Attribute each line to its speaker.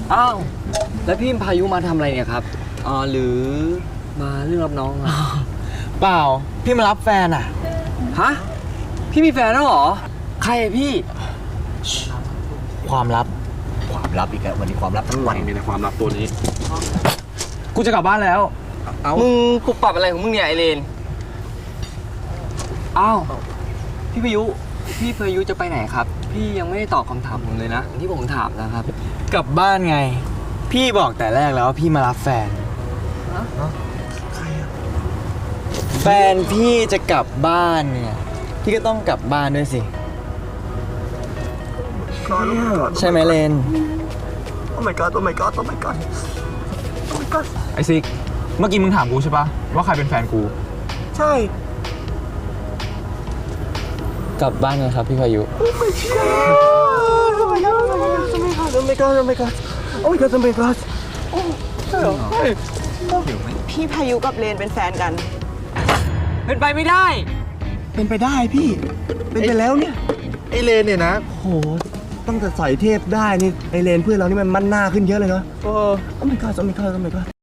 Speaker 1: อ้าวแล้วพี่พายุมาทำอะไรเนี่ยครับหรือมาเรื่องรับน้องอะ
Speaker 2: เปล่าพี่มารับแฟนอ่ะ
Speaker 1: ฮะพี่มีแฟนแล้วเหรอใครอะพี่
Speaker 2: ความลับ
Speaker 3: ความลับอีกแล้ววันนี้ความลับทั้งวัน
Speaker 4: มีแต่ความลับตัวนี้
Speaker 2: กูจะกลับบ้านแล้ว
Speaker 1: มึงปุบปับอะไรของมึงเนี่ยไอเลนอ้าวพี่พายุจะไปไหนครับพี่ยังไม่ได้ตอบคำถามผมเลยนะที่ผมถามนะครับ
Speaker 2: กลับบ้านไง พี่บอกแต่แรกแล้วว่าพี่มารับแฟน แฟนพี่จะกลับบ้านเนี่ยพี่ก็ต้องกลับบ้านด้วยสิ ใช่ไหมเลน
Speaker 3: โอ้ my god โอ้ my god โอ้ my god โอ้ my god
Speaker 4: ไอซิก เมื่อกี้มึงถามกูใช่ปะว่าใครเป็นแฟนกู
Speaker 3: ใช่
Speaker 2: กลับบ้านไงครับพี่พายุ
Speaker 3: โอ้ my god โอ้ my god โอ้ my god โอ้ my god โอ้ my god โอ้ my god โอ้ my god โอ้ใช่เหรอ
Speaker 5: พี่พายุกับเลนเป็นแฟนกัน
Speaker 1: เป็นไปไม่ได้
Speaker 3: เป็นไปได้พี่ เป็นไปแล้วเนี่ย ไอเลนเนี่ยนะโหตั้งแต่ใส่เทพได้นี่ ไอเลนเพื่อนเรานี่มันมั่นหน้าขึ้นเยอะเลยเนาะโอ้ my god โอ้ my god โอ้ my god